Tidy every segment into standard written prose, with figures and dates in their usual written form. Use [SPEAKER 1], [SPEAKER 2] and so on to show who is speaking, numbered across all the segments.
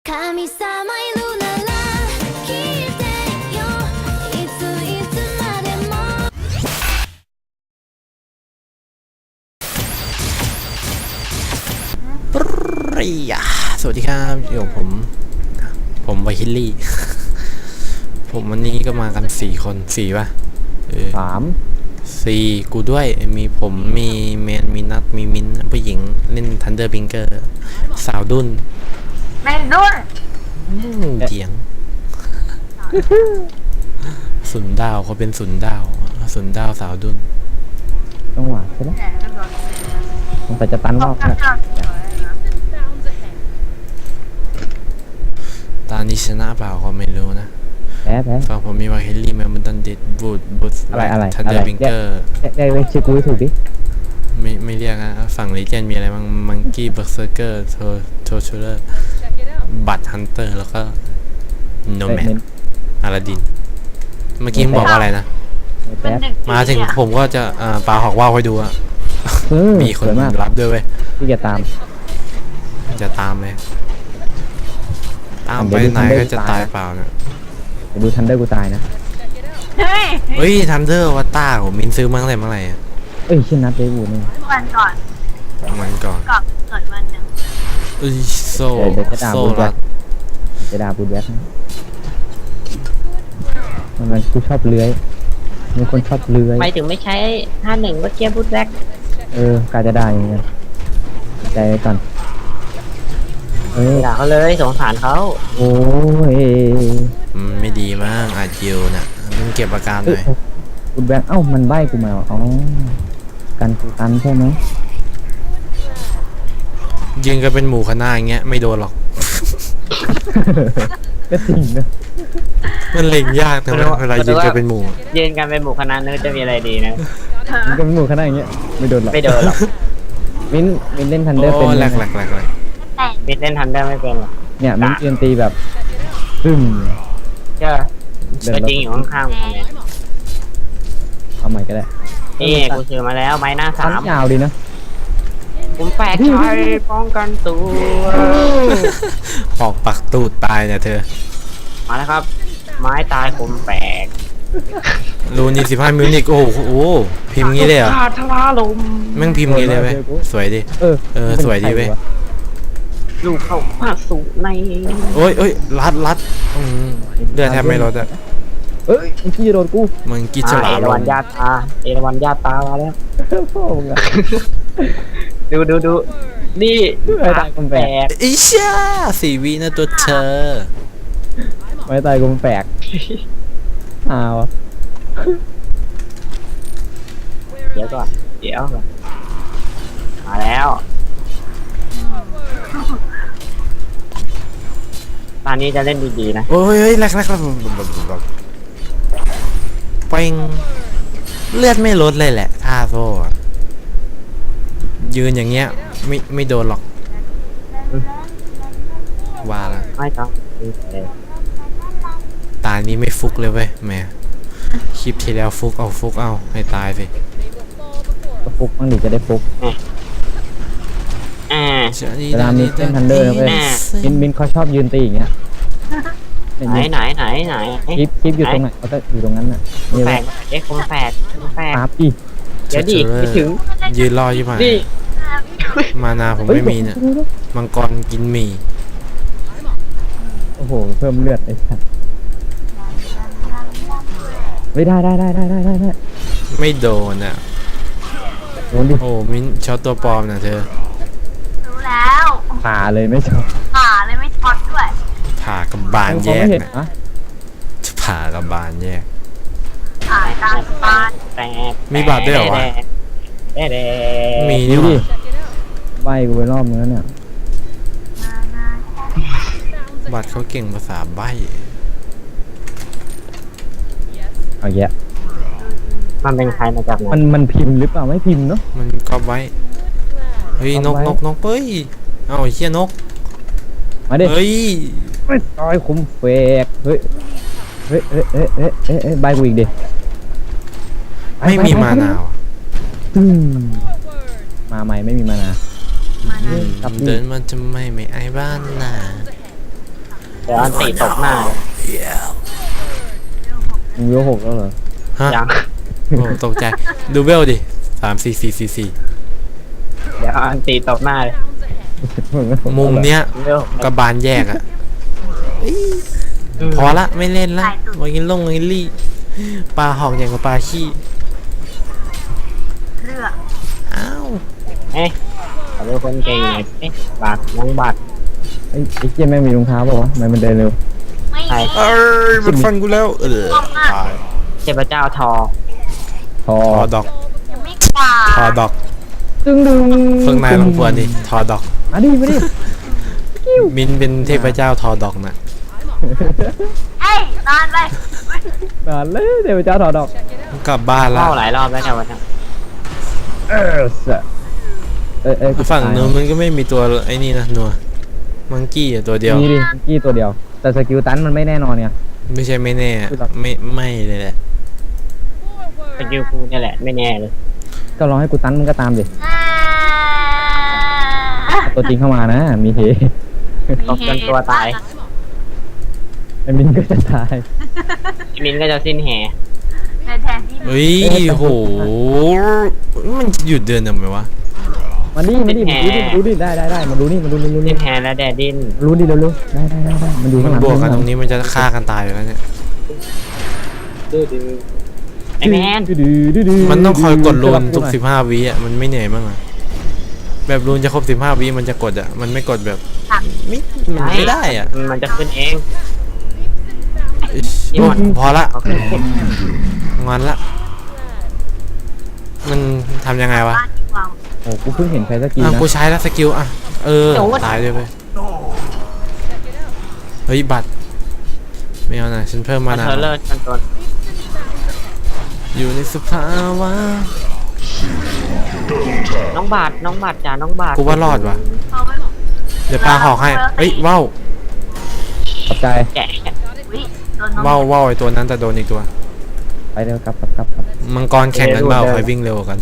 [SPEAKER 1] 神様いるなら聞いてよいつまでも
[SPEAKER 2] ปรียะสวัสดีครับอยู่กับผมไวฮิลลี่ ผมวันนี้ก็มากัน4 คน4ป่ะ4กูด้วยมีผมมีแมนมีนัทมีมิ้นผู้หญิงเล่นทันเดอร์บิงเกอร์สาวดุน
[SPEAKER 3] ไม่ดุน
[SPEAKER 2] เจียงสุนดาวเขาเป็นสุนดาวสาวดุน
[SPEAKER 4] ต้องหวานใช่ไหมต้องแต่จะตันรอบเนี่ย
[SPEAKER 2] ตอนนี้ชนะเปล่าก็ไม่รู้นะ
[SPEAKER 4] แพ้
[SPEAKER 2] ฝั่งผมมีวาเฮลลี่แมนมันตันเดดบูด
[SPEAKER 4] อะไร
[SPEAKER 2] ทันเดอร์บิงเกอร์
[SPEAKER 4] ได้เว้ยชื่อกูถูกดิ
[SPEAKER 2] ไม่เรียกนะฝั่งลีเจนมีอะไรบ้างมังกี้เบอร์เซอร์เกอร์โทชูเลอร์บัตฮันเตอร์แล้วก็โนแมนอาราดินเมื่อกี้บอกว่าอะไรนะมาถึงผมก็จะปาหอกว่าวให้ดูอะมีคนรับด้วยเว้ย
[SPEAKER 4] ที่จะตาม
[SPEAKER 2] เลยตามไปไหนก็จะตายเปล่าเนี่ย
[SPEAKER 4] ไปดูทันเดอร์กูตายนะ
[SPEAKER 2] เฮ้ยทันเดอร์วัตตาผมมินซื้อมาตั้งแต่เมื่อไหร่อะ
[SPEAKER 4] ชื่อนัดเดวูนี่
[SPEAKER 3] วันก่อน
[SPEAKER 2] เกิดวัน
[SPEAKER 3] หนึ่ง
[SPEAKER 2] โซ่รัด
[SPEAKER 4] จะด่าบูดแบ็คมันกูชอบเลื้อยมีคนชอบเลื้อย
[SPEAKER 3] ไม่ถึงไม่ใช้51เมื่อกี้บูทแบ็ค
[SPEAKER 4] กาจะได้ยังไงใจก่อน
[SPEAKER 3] ด่าเขาเลยสงสารเขา
[SPEAKER 4] โอ้ย
[SPEAKER 2] ไม่ดีมากอาจิวน่ะมึงเก็บอาการหน่อย
[SPEAKER 4] บูดแบ็คมันใบ้กูมากันกูตันใช่ไหม
[SPEAKER 2] ยืนกันเป็นหมู่คณะอย่างเงี้ยไม่โดนหรอก
[SPEAKER 4] ก็จริงนะ
[SPEAKER 2] มันเล็งยากแต่เวลายืนกันเป็นหมู่
[SPEAKER 3] คณะนึกจะมีอะไรดีนะ
[SPEAKER 4] ยืนกันเป็นหมู่คณะอย่างเงี้ยไม่โดนหรอกมินเล่นทันเดอร์เป็น
[SPEAKER 2] แหลก
[SPEAKER 3] มินเล่นทันเดอร์ไม่เป็นหรอ
[SPEAKER 4] เนี่ยมินเรียนตีแบบ
[SPEAKER 3] เจ้าตัวจริงอยู่ข้างๆผมเนี่ย
[SPEAKER 4] เอาใหม่ก็ได้
[SPEAKER 3] นี่กูซื้อมาแล้วไม้หน้า3
[SPEAKER 4] ยาวดีนะ
[SPEAKER 3] ผมแปลกใจป้องกันตัว
[SPEAKER 2] ออกปักตูดตายเนี่ยเธอ
[SPEAKER 3] มาแล้วครับไม้ตายคมแปลก
[SPEAKER 2] รูนี่15 มิลลิกโอ้โหพิมพ์งี้เลยเหรอ
[SPEAKER 3] ทลาลม
[SPEAKER 2] แม่งพิมพ์งี้เลยเว้ยสวยดิสวยดีเว้ย
[SPEAKER 3] ลูกเขาพาสูใน
[SPEAKER 2] โอ้ยรัดเลือดแทบไม่ลดอ่ะ
[SPEAKER 4] มึงกี้โดนกู
[SPEAKER 2] มึงกี้ฉลาด
[SPEAKER 3] เอราวัณญาตามาแล้ว
[SPEAKER 4] พ่อมึงอะ
[SPEAKER 3] ดูนี่
[SPEAKER 4] ไม่ตายกูแปลก
[SPEAKER 2] อิช่า4 วินะตัวเธอ
[SPEAKER 4] ไม่ตายกูแปลก
[SPEAKER 3] เดี๋ยวมาแล้วตอนนี้จะเล่นดีๆนะ
[SPEAKER 2] โอ้ยแรกเป่งเลือดไม่ลดเลยแหละท่าโซ่ยืนอย่างเงี้ยไม่โดนหรอกว่าละ
[SPEAKER 3] ไม่ต้อง
[SPEAKER 2] ตานี้ไม่ฟุกเลยเว้ยแม่คลิปที่แล้วฟุกเอาให้ตายสิ
[SPEAKER 4] ก็ฟุกบ้างดิจะได้ฟุกเวลามีเต้นทันเดอร์เลยมินเขาชอบยืนตีอย่างเงี้ย
[SPEAKER 3] ไหน
[SPEAKER 4] คลิปอยู่ตรงไหนเขาจะอยู่ตรงนั้นน่ะ
[SPEAKER 3] แฝดคมแฝด
[SPEAKER 4] ครับดิ
[SPEAKER 3] เดี๋ยวดิไม่ถึง
[SPEAKER 2] ยืนรออยู่มานาผมไม่มีเนี่ยมังกรกินหมี่
[SPEAKER 4] โอ้โหเพิ่มเลือดไอ้สัสไม่ได้
[SPEAKER 2] ไม่โดนอ่ะ
[SPEAKER 4] โดนดิ
[SPEAKER 2] โอ้มิ้นช็อตตัวปลอมนะเธอ
[SPEAKER 3] รู้แล้ว
[SPEAKER 4] ผ่าเลยไม่ช็อต
[SPEAKER 3] ด้วย
[SPEAKER 2] ผ่ากับบานแยกนะผ่ากับบานแยกมีบาดด้วยเหรอวะมีนี่หว่า
[SPEAKER 4] ใบกูไปรอบนึงแล้วเนี่ย
[SPEAKER 2] บัตรเขาเก่งภาษาใบ
[SPEAKER 4] เอาแยะ
[SPEAKER 3] มันเป็นใครมาจากไหน
[SPEAKER 4] มันพิมพ์หรือเปล่าไม่พิมพ์เนาะ
[SPEAKER 2] มันก๊อปไว้เฮ้ยนกเฮ้ยเอาเชี่ยนก
[SPEAKER 4] มาดิ
[SPEAKER 2] เฮ้ย
[SPEAKER 4] ไม่ตายคุ้มเฟกเฮ้ยใบกูอีกดิ
[SPEAKER 2] ไม่มีมานาว
[SPEAKER 4] มาใหม่ไม่มีมานา
[SPEAKER 2] เดินมันจะไม่ไอ้บ้านน่ะ
[SPEAKER 3] เดี๋ยวอันตีตบหน้าเลย
[SPEAKER 4] มึงเวล6แล้วเหรอ
[SPEAKER 2] ฮะ
[SPEAKER 3] ยัง
[SPEAKER 2] โอ้ตกใจดูเวลดิ3 4 4 4
[SPEAKER 3] เดี๋ยวอันตีตบหน้าเลย
[SPEAKER 2] 4มุมเนี้ย
[SPEAKER 3] เร็ว
[SPEAKER 2] กระบาลแยกอะพอละไม่เล่นละวากินลงวากินลี่ปลาหอกอย่างกับปลาขี้อ้าว
[SPEAKER 3] เอ๊ะขอเป็นคนเก่งหน่อยเอ๊ะบาดน้องบาด
[SPEAKER 4] ไอ้เจี๊ยแม่งมีรองเท้าเปล่าวะทำไมมันเดินเร็ว
[SPEAKER 3] ใคร
[SPEAKER 2] เอ้ยมันฟันกูแล้วตาย
[SPEAKER 3] เทพเจ้าทอ
[SPEAKER 4] ทอ
[SPEAKER 2] ทอดอก
[SPEAKER 1] ยังไม่กล้า
[SPEAKER 2] ทอดอก
[SPEAKER 4] ดึงดึง
[SPEAKER 2] เพิ่งนายลงพวนดิทอดอก
[SPEAKER 4] มาดิมาดิ
[SPEAKER 2] มินเป็นเทพเจ้าทอดอกน่ะ
[SPEAKER 1] เอ้ยนอนไป
[SPEAKER 4] นานเลยเดี๋ยวเจ้าถอดดอก
[SPEAKER 2] กลับบ้านละ
[SPEAKER 3] เข้าหลายรอบแล้วเนี่ยวันนี้
[SPEAKER 4] สะกู
[SPEAKER 2] ฝั่ง
[SPEAKER 4] ตาย
[SPEAKER 2] นู้นมันก็ไม่มีตัวไอ้นี่นะนัวมังกี้ตัวเดียว
[SPEAKER 4] มีดิกี้ตัวเดียว แต่สกิลตันมันไม่แน่นอนเนี่ย
[SPEAKER 2] ไม่ใช่ไม่แน่ไม่เลยแหละ
[SPEAKER 3] เป็นยูคูนี่แหละไม่แน่เลย
[SPEAKER 4] ก็รอให้กูตันมึงก็ตามดิเอาตัวจริงเข้ามานะ มีเฮ
[SPEAKER 3] ตบจนตัวตาย
[SPEAKER 4] ไอ้มินก็จะตาย
[SPEAKER 3] มินก็จะสิ้นแห่
[SPEAKER 1] แทนที่
[SPEAKER 2] เฮ้ยโหมันหยุดเดินทำไมวะ
[SPEAKER 4] มาดิมาดิดูดิได้มาดูนี่มาดู
[SPEAKER 3] สิ้นแห่และแดดดิน
[SPEAKER 4] รู้ดิเร็วๆได้มันดู
[SPEAKER 2] มั
[SPEAKER 4] ข้างหลัง
[SPEAKER 2] นบวกกันตรงนี้มันจะฆ่ากันตายอยู่แล้วเนี่ย
[SPEAKER 3] ไอ้แมน
[SPEAKER 2] มันต้องคอยกดรูนทุก15 วิอ่ะมันไม่เหนื่อยมั้างอ่ะแบบรูนจะครบ15 วิมันจะกดอ่ะมันไม่กดแบบไม่มันไม่ได้อ่ะ
[SPEAKER 3] มันจะขึ้นเอง
[SPEAKER 2] อิ๊ยพอละงอนละมันทำยังไงวะ
[SPEAKER 4] โอ้กูเพิ่งเห็นใครสกิล
[SPEAKER 2] อ่ะ
[SPEAKER 4] นะ
[SPEAKER 2] กูใช้แล้วสกิลอ่ะตายเลยไปเฮ้ยบัตรไม่เอานะฉันเพิ่มมา
[SPEAKER 3] มัน
[SPEAKER 2] นะ
[SPEAKER 3] เธอเลิศกันตัว
[SPEAKER 2] อยู่ในสภาวะ
[SPEAKER 3] น้องบาทจ้าน้องบาท
[SPEAKER 2] กูว่ารอดว่ะเดี๋ยวปลาหอกให้เอ้ยว้าว
[SPEAKER 4] ขอบใจ
[SPEAKER 3] แกะ
[SPEAKER 2] ว้าวไอตัวนั้นแต่โดนอีกตัว
[SPEAKER 4] ไปเร็วกลับ
[SPEAKER 2] มังกรแข่งกันเปล่าใครวิ่งเร็วกว่ากัน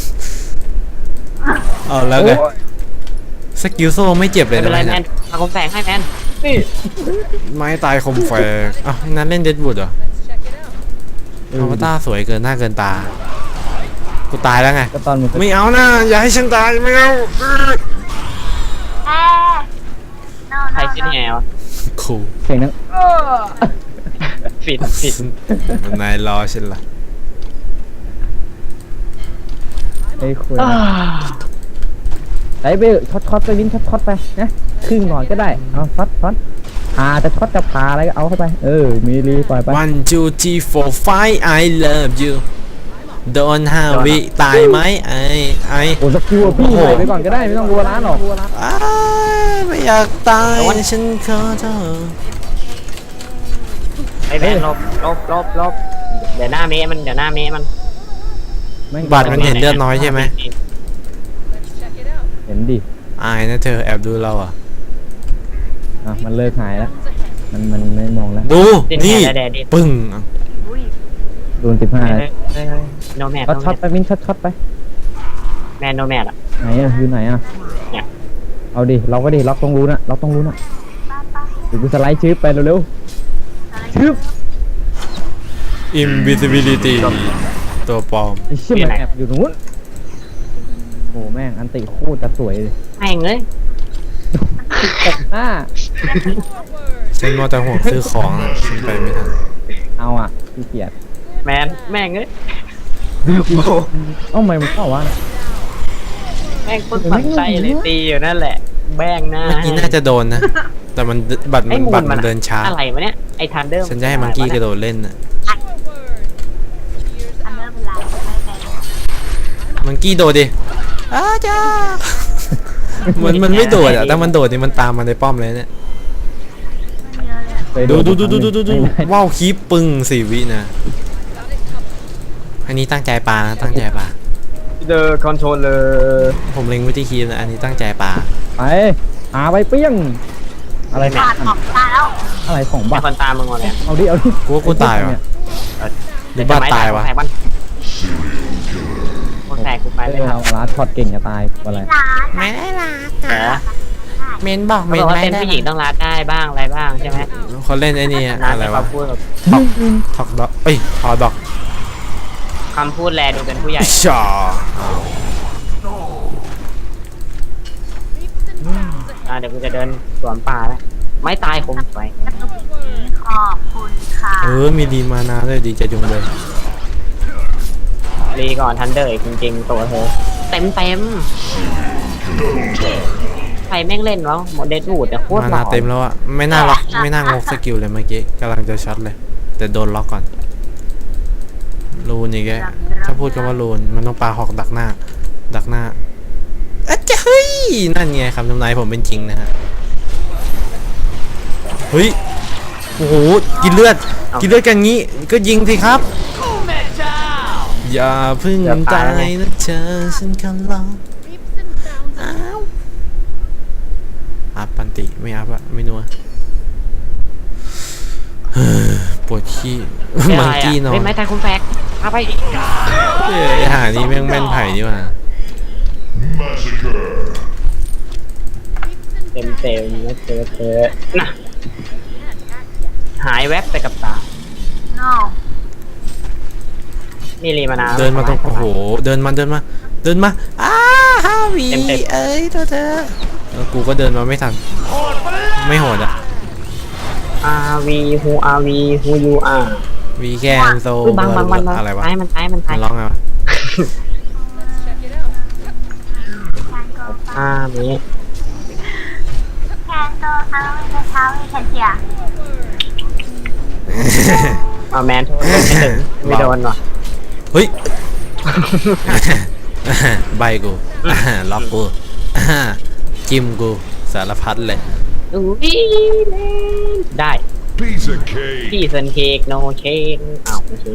[SPEAKER 2] เอาแล้วไงสกิลโซ่ไม่เจ็บเล
[SPEAKER 3] ไม่
[SPEAKER 2] ย
[SPEAKER 3] เป็นไร
[SPEAKER 2] นะ
[SPEAKER 3] แมนมาคมแฝงให้แมนนี่
[SPEAKER 2] ไม้ตายคมแฝกอ้าวนั้นเล่นเดดวูดเหรออวตารสวยเกินหน้าเกินตากูตายแล้วไง
[SPEAKER 4] ก็ตอนมึง
[SPEAKER 2] ไม่เอานะอย่าให้ฉันตายไม่เอา
[SPEAKER 3] ใครสิ้นแห่วะ
[SPEAKER 2] คู
[SPEAKER 4] เพลงนั้น
[SPEAKER 3] ฟิด
[SPEAKER 2] นายรอฉันละ
[SPEAKER 4] ไอ้คุยไปช็อตไปวินช็อตไปนะครึ่งหน่อยก็ได้เอาช็อตพาจะช็อตจะพาอะไรก็เอาเข้าไปมีรีปล่อยไป
[SPEAKER 2] 1 2 3 4 5 I love you โดน5 วิตายไหมไอ
[SPEAKER 4] โอ้สกิลพี่ใส่ไปก่อนก็ได้ไม่ต้องกลัวร้านหรอก
[SPEAKER 2] อ้ายไม่อยากตายฉันขอโทษ
[SPEAKER 3] ไอ้แมนลบเดี๋ยวหน้าเมะมัน
[SPEAKER 2] บัตรมันเห็นเลือดน้อยใช่ไหม
[SPEAKER 4] เห็นดิ
[SPEAKER 2] อายนะเธอแอบดูเราอ่ะ
[SPEAKER 4] มันเลิกหายแล้วมันไม่มองแล้ว
[SPEAKER 2] ดู
[SPEAKER 3] สิ้น
[SPEAKER 2] นี่
[SPEAKER 3] แห่และแดดดิน
[SPEAKER 2] ปึ้ง
[SPEAKER 4] โดน15เลย
[SPEAKER 3] โนแมท
[SPEAKER 4] ช็อตไปวินช็อตไป
[SPEAKER 3] แมนโนแมทอ่ะ
[SPEAKER 4] ไหนอยู่ไหน
[SPEAKER 3] เนี่ย
[SPEAKER 4] เอาดิล็อกไว้ดิล็อกต้องรู้นะเดี๋ยวกูสไลด์ชืบไปเร็วๆชืบ
[SPEAKER 2] invisibility ตัวปลอม
[SPEAKER 4] ไอ้เชี่ยมันแอบอยู่ตรงนู้นโอ้แม่งอันติโคตรจะสวยเลย
[SPEAKER 3] แม่งเลย
[SPEAKER 4] ตบหน้า
[SPEAKER 2] ฉันมัวแต่ห่วงซื้อของอะฉันไปไม่ทัน
[SPEAKER 4] เอาขี้เกียจ
[SPEAKER 3] แม่งเลย
[SPEAKER 4] ไม่มันเข้าวะ
[SPEAKER 3] แม่งคนฝันใจเลยตีอยู่นั่นแหละแบ้งหน้า
[SPEAKER 2] เมื่อกี้น่าจะโดนนะ แต่มันบัตร
[SPEAKER 3] ไอ้
[SPEAKER 2] มัน
[SPEAKER 3] มู
[SPEAKER 2] บัต
[SPEAKER 3] น
[SPEAKER 2] ร
[SPEAKER 3] มั
[SPEAKER 2] มัน นเดินช้า
[SPEAKER 3] อะไรวะเนี่ยไอ้ทันเดอร์
[SPEAKER 2] ฉันจะให้มังกี้กระโดดเล่นน่ะ
[SPEAKER 1] อันเดอร์เป็นไรไม่เป็น
[SPEAKER 2] มังกี้โดดดิอ้าจ้ามันไม่โดดอ่ะแต่มันโดดนี่มันตามมาในป้อมเลยเนี่ย
[SPEAKER 4] เคย
[SPEAKER 2] ดู
[SPEAKER 4] โน
[SPEAKER 2] ว้าวคีปปึ้ง4 วินะอันนี้ตั้งใจปลานะตั้งใจปลา
[SPEAKER 3] เดอร์คอนโทรลเลอร์
[SPEAKER 2] ผมเล็งไว้ที่คีปนะอันนี้ตั้งใจปลา
[SPEAKER 4] ไปหาไปเปี้ยงอะไรเนี่ย
[SPEAKER 1] ขาดออกตาแล้ว
[SPEAKER 4] อะไรของ
[SPEAKER 3] ไอ้
[SPEAKER 4] บัตร
[SPEAKER 3] คนตามมึงหมดเลย
[SPEAKER 4] เอาดิ
[SPEAKER 2] กูว่ากูตายวะหรือบ้าตายวะ
[SPEAKER 3] คนแตกกูไปเลยค
[SPEAKER 4] เรา
[SPEAKER 3] รับ
[SPEAKER 4] ลาช็อตเก่งจะตายอะไร
[SPEAKER 1] หลาน
[SPEAKER 2] ไม่ได้ละ
[SPEAKER 3] เหรอ
[SPEAKER 2] เมนบอกเม
[SPEAKER 3] เขาบ
[SPEAKER 2] น
[SPEAKER 3] อกว่า
[SPEAKER 2] ไม่
[SPEAKER 3] เป็น
[SPEAKER 2] ได้
[SPEAKER 3] ผู้หญิงต้องรัดได้บ้างอะไรบ้างใช่ไหม
[SPEAKER 2] เขาเล่นไอ้นี่อะ
[SPEAKER 3] นะ
[SPEAKER 2] อะไร
[SPEAKER 3] แต่
[SPEAKER 2] วะ
[SPEAKER 3] เขาพูดแบบ
[SPEAKER 2] ทอกดอกเอ้ยฮอดอก
[SPEAKER 3] คำพูดแลดูเป็นผู้ใหญ่
[SPEAKER 2] ชอ
[SPEAKER 3] เดี๋ยวกูจะเดินสวนป่าแล้วไม่ตายคงไป
[SPEAKER 1] ขอบคุณค่ะ
[SPEAKER 2] มีดีมานาด้วยดีใจจุงเลย
[SPEAKER 3] รีก่อนทันเดอร์อีกจริงๆตัวเธอเต็มใครแม่งเล่นวะโมเดลบูดแต่โคตร
[SPEAKER 2] มา
[SPEAKER 3] หล่
[SPEAKER 2] นา
[SPEAKER 3] อ
[SPEAKER 2] เต็มแล้วอะไม่น่าล็อกไม่น่างกสกิลเลยเมื่อกี้กำลังจะช็อตเลย แต่โดนล็อกก่อนรูนอีกแกถ้าพูดคำว่ารูนมันต้องปาหอกดักหน้าอะจะเฮ้ยนั่นไงคำทำนายผมเป็นจริงนะฮะเฮ้ยโอ้โหกินเลือดกันงี้ก็ยิงสิครับอย่าเพึ่งตายนะเธอฉันขอร้องอ้าวอัพปันติไม่อัพอะไม่นัวปวดขี้มังกี้นอน
[SPEAKER 3] เป็นไม้ตายคุณแฟกเอาไป
[SPEAKER 2] เอ้ยหานี่แม่งแม่นไผ่นี่ว่ะ
[SPEAKER 3] เต็มนะเธอน่ะหายแวบไปกับตา
[SPEAKER 1] no
[SPEAKER 3] นี่รีมานาว
[SPEAKER 2] เดินมาตรงโอ้โหเดินมาอ้าฮาวี
[SPEAKER 3] เต็ม
[SPEAKER 2] เอ้ยตัวเธอแล้วกูก็เดินมาไม่ทันไม่โหดอะ
[SPEAKER 3] RV who RV who you are
[SPEAKER 2] วีแคนโซ
[SPEAKER 3] บาง
[SPEAKER 2] อะไรวะ
[SPEAKER 3] มันตาย
[SPEAKER 2] มันร้องไงวะ
[SPEAKER 3] นี้
[SPEAKER 1] แคนโตเอาไม่เท้าไม่แคนเทีย
[SPEAKER 3] เอาแมนโทษไม่ถึงไม่โดนว่ะ
[SPEAKER 2] เฮ้ย ใบกูล็อกกูจิ้มกูสารพัดเลย
[SPEAKER 3] อุ้ยได้
[SPEAKER 5] Piece of cake.
[SPEAKER 3] พี่เซนเค้กโนเค้กอ้าวไม่ใช่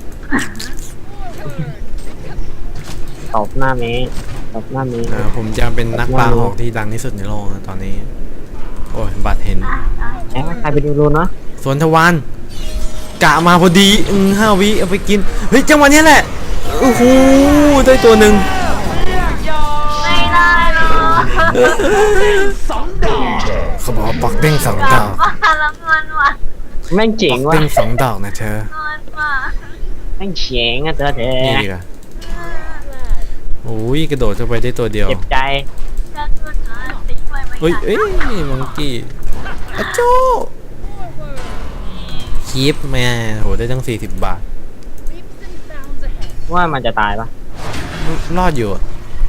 [SPEAKER 3] ตบหน้าเมย์
[SPEAKER 2] ผมจะเป็นนักปลาหอกที่ดังที่สุดในโลกนะตอนนี้ โอ้ยบัตรเห็น
[SPEAKER 3] ใครไปดูรูนวะ
[SPEAKER 2] สวนทวารกะมาพอดี5 วิเอาไปกิน เฮ้ยจังหวะนี้แหละโอ้โหได้ตัวหนึ่ง
[SPEAKER 1] ไม่ได้หรอก
[SPEAKER 2] เขาบอกว่าปักเด้ง2 ดอก
[SPEAKER 1] ว่าแล้วเงินว่ะ
[SPEAKER 3] แม่งเจ๋ง
[SPEAKER 2] ปัก
[SPEAKER 3] ว่ะ
[SPEAKER 2] เด้ง2 ดอกนะเธอ
[SPEAKER 1] เงินว่ะ
[SPEAKER 3] แม่งเจ๋งอ่ะเธอ
[SPEAKER 2] นี่ดีกว่าโอ้ยกระโดดเข้าไปได้ตัวเดียว
[SPEAKER 3] เจ็บใจ
[SPEAKER 1] จะชุดติ๊กไว้ไหม
[SPEAKER 2] เฮ้ยเอ้ยมังกี้อะโจคีปแม่โหได้ตั้ง40 บาท
[SPEAKER 3] ว่ามันจะตายปะ
[SPEAKER 2] รอดอยู่อะ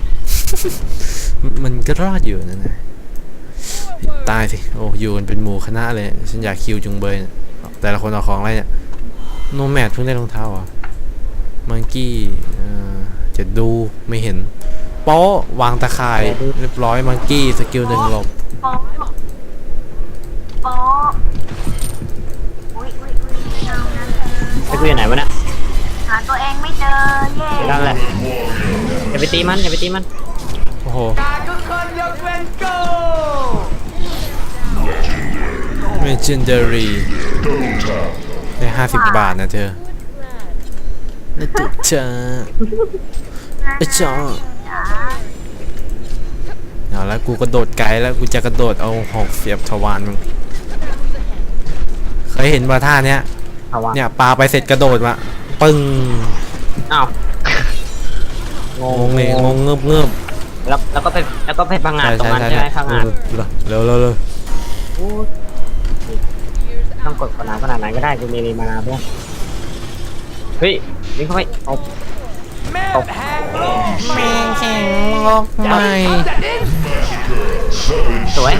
[SPEAKER 2] มันก็รอดอยู่นั่นนะตายสิโอ้อยู่กันเป็นหมู่คณะเลยฉันอยากคิวจุงเบยเนี่ยแต่ละคนเอาของอะไรเนี่ยโนแมดเพิ่งได้รองเท้าเหรอ่ะมังกี้จะดูไม่เห็นโป๊ะวางตะข่ายเรียบร้อยมังกี้สกิล1 หลบ
[SPEAKER 1] โป๊ะโป๊ะอุ้ยไม่เอานะเธอ
[SPEAKER 3] ไอ้กูอยู่ไหนวะเนี่ย
[SPEAKER 1] หาตัวเองไม่เจอเย่
[SPEAKER 3] นั่นแหละอย่าไปตีมัน
[SPEAKER 2] โอ้โห Legendary ได้50 บาทนะเธอแล้วตุ๊เจอไอ้จ้าเอาแล้วกูกระโดดไกลแล้วกูจะกระโดดเอาหอกเสียบทวารมึงเคยเห็นว่าท่าเนี้ย
[SPEAKER 3] เอาวะ
[SPEAKER 2] เนี่ยปาไปเสร็จกระโดดมาปึ้ง
[SPEAKER 3] อ้าว
[SPEAKER 2] งงเลยงงเงือบ
[SPEAKER 3] แล้วก็ไปพังงาดตรงนั้นใช่ไหมพังงาด
[SPEAKER 2] เร็ว
[SPEAKER 3] ต้องกดขนาดไหนก็ได้กูมีรีมานาเพื่อนเฮ้ยวิ่งเข้าไปเอาตบ
[SPEAKER 2] แม่แข็งลอกใหม่
[SPEAKER 3] สวย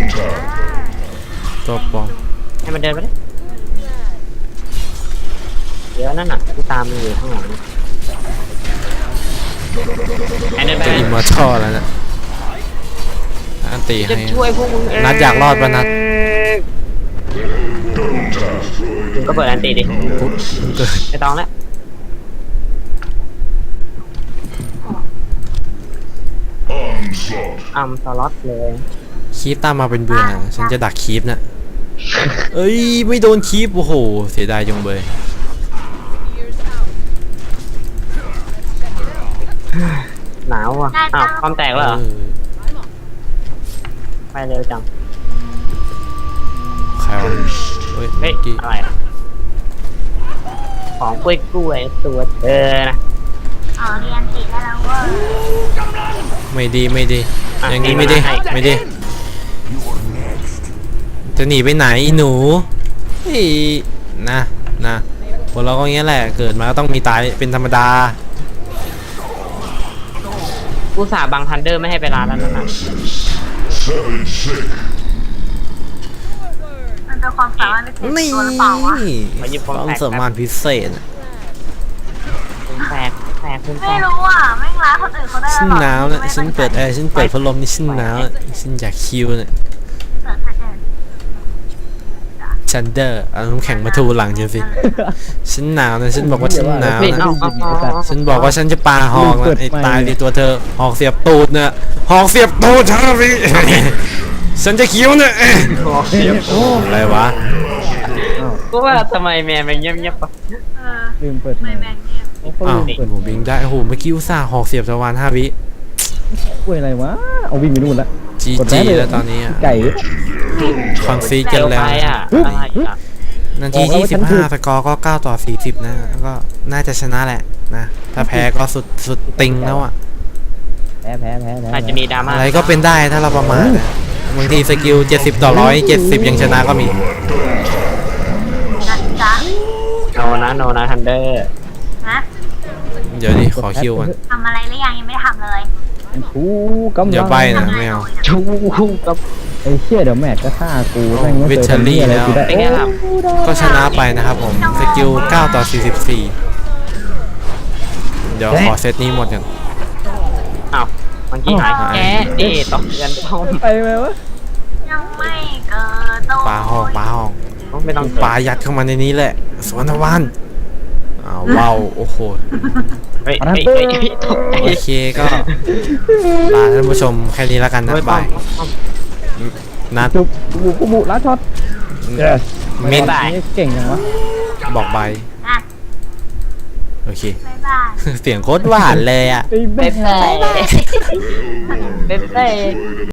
[SPEAKER 2] ตัวปลอม
[SPEAKER 3] ให้มันเดินไปเลยเดี๋ยวนั่นน่ะกูตามมันอยู่ข้างหลังให้เดินไป
[SPEAKER 2] จะอิมมอร์ทัลแล้วนะอันตี
[SPEAKER 3] จะ
[SPEAKER 2] ให้
[SPEAKER 3] ช่วยพวกมึงเอง
[SPEAKER 2] นัดอยากรอดปะนัด
[SPEAKER 3] มึงก็เปิดอันตีดิ
[SPEAKER 2] ปุ๊บเกิด
[SPEAKER 3] ไม่ต้องแล้วสล็อตเลย
[SPEAKER 2] คีปตามมาเป็นเบื่อฉันจะดักคีปน่ะเอ้ยไม่โดนคีปโอ้โหเสียดายจังเบย
[SPEAKER 3] หนาวอ่ะอ้าวความแตกแล้วเหรอ
[SPEAKER 2] เออ
[SPEAKER 3] ไปเร็วจัง
[SPEAKER 2] ใครวะเฮ้ย
[SPEAKER 3] เฮ้ย
[SPEAKER 2] กี้
[SPEAKER 3] อะไรอะของกล้วยตัวเธอนะ
[SPEAKER 1] เรียนติดได้แล้วเว้ย
[SPEAKER 2] ไม่ดีไม่ดี
[SPEAKER 3] อ่ะ
[SPEAKER 2] อย่างนี้ไม่ดี
[SPEAKER 3] ให้
[SPEAKER 2] ไม่ดี จะหนีไปไหนอีหนูเฮ้ยนะคนเราก็อย่างเงี้ยแหละเกิดมาก็ต้องมีตายเป็นธรรมดา
[SPEAKER 3] กูสาบังทันเดอร์ไม่ให้ไปร้านแล้วนั่นน่ะ
[SPEAKER 1] มันเป็นความสามารถพิเศษ
[SPEAKER 2] นี่
[SPEAKER 1] ตัวหรือเปล่าวะ
[SPEAKER 2] ความสามารถพิเศษ
[SPEAKER 3] คุณแฝกคุณแฝ
[SPEAKER 1] ไม่
[SPEAKER 3] ก
[SPEAKER 1] รู้อ่ะไม่ร้านคนอื่นเขาได้
[SPEAKER 2] ฉัน
[SPEAKER 1] หรอ
[SPEAKER 2] หนาวนะฉันเปิดแอร์ฉันเปิดพัดลมนี่ฉันหนาวนะฉันอยากคิวเนี่ย
[SPEAKER 1] เปิดพัดลม
[SPEAKER 2] ชันเดอร์เอาน้ำแข็งมาทูหลังฉันสิฉันหนาวนะฉันบอกว่าฉันหนาว
[SPEAKER 3] เฮ้ย
[SPEAKER 2] นะ
[SPEAKER 3] เอา
[SPEAKER 2] ฉันบอกว่าฉันจะปาหอกนะไอ้ตายดิตัวเธอหอกเสียบตูดเนี่ยหอกเสียบตูดเธอพี่ ฉันจะคิ้วเนี่ย
[SPEAKER 4] โอ้
[SPEAKER 2] อะไรวะ
[SPEAKER 3] ก็ว่าทำไมแมนมันเงียบๆปะ
[SPEAKER 4] ลืมเปิด
[SPEAKER 1] ไม่แบ่งเนี่ย
[SPEAKER 2] อ้าว
[SPEAKER 4] เปิด
[SPEAKER 2] โอ้โหบิงได้โอ้โหเมื่อกี้อุตส่าห์หอกเสียบตะวัน5 วิ
[SPEAKER 4] กล้วยอะไรวะเอาวิ่งไปนู่นละ
[SPEAKER 2] จี
[SPEAKER 4] กด
[SPEAKER 2] จี
[SPEAKER 4] ได้เลย
[SPEAKER 2] แล้วตอนนี้อะ
[SPEAKER 4] ไก่
[SPEAKER 2] ฟังซีกั
[SPEAKER 3] เร็
[SPEAKER 2] น
[SPEAKER 3] ว
[SPEAKER 2] แล้ว
[SPEAKER 3] ไปอ่ะ
[SPEAKER 4] อุ๊ย
[SPEAKER 3] อะไรอ่ะ
[SPEAKER 2] นาทีที่15สกอร์ก็9-40นะก็น่าจะชนะแหละนะถ้าแพ้ก็สุดติงแล้วอ่ะ
[SPEAKER 4] แพ้
[SPEAKER 3] อาจจะมีดราม่า
[SPEAKER 2] อะไรก็เป็นได้ถ้าเราประมาทนะบางทีสกิล70/170ยังชนะก็มี
[SPEAKER 1] นะจ๊ะ
[SPEAKER 3] โนนะทันเดอร์
[SPEAKER 1] นะ
[SPEAKER 2] เดี๋ยวดิขอคิวก่อน
[SPEAKER 1] ทำอะไรหรือยังยังไม่ได้ทำเลย
[SPEAKER 4] ชูกำลัง
[SPEAKER 2] อย่าใบนะไม่เอา
[SPEAKER 3] ชูกับ
[SPEAKER 4] ไอ้เชี่ยเดี๋ยวแมทก็ฆ่ากูแม่งไม่เคย
[SPEAKER 2] Victory
[SPEAKER 4] ทำนี่อะไรกูได้
[SPEAKER 3] เป็นไงครับ
[SPEAKER 2] ก็ชนะไปนะครับผมสกิล9/44เดี๋ยวขอเซตนี้หมดกัน
[SPEAKER 3] อ้าวเมื่อกี้หายแกนี่ต้องเรียนต้อง
[SPEAKER 4] ไปไหมวะ
[SPEAKER 1] ยังไม่เกิดโต
[SPEAKER 2] ปลาหอก
[SPEAKER 3] ไม่ต้อง
[SPEAKER 2] ปลายัดเข้ามาในนี้แหละสวนทวารอ้าวว้าวโอ้โห
[SPEAKER 3] เฮ้ยตกใจ
[SPEAKER 2] โอเคก็ลาท่านผู้ชมแค่นี้แล้วกันนะบายนัด
[SPEAKER 4] จุบกูบุล้าช็อต
[SPEAKER 2] มิน
[SPEAKER 4] นี่เก่งจังวะ
[SPEAKER 2] บอกใบ
[SPEAKER 1] นะ
[SPEAKER 2] โอเค
[SPEAKER 1] บ๊ายบาย
[SPEAKER 2] เสียงโคตรหวานเลยอ่ะ
[SPEAKER 4] ไอ้แม่
[SPEAKER 3] เบ๊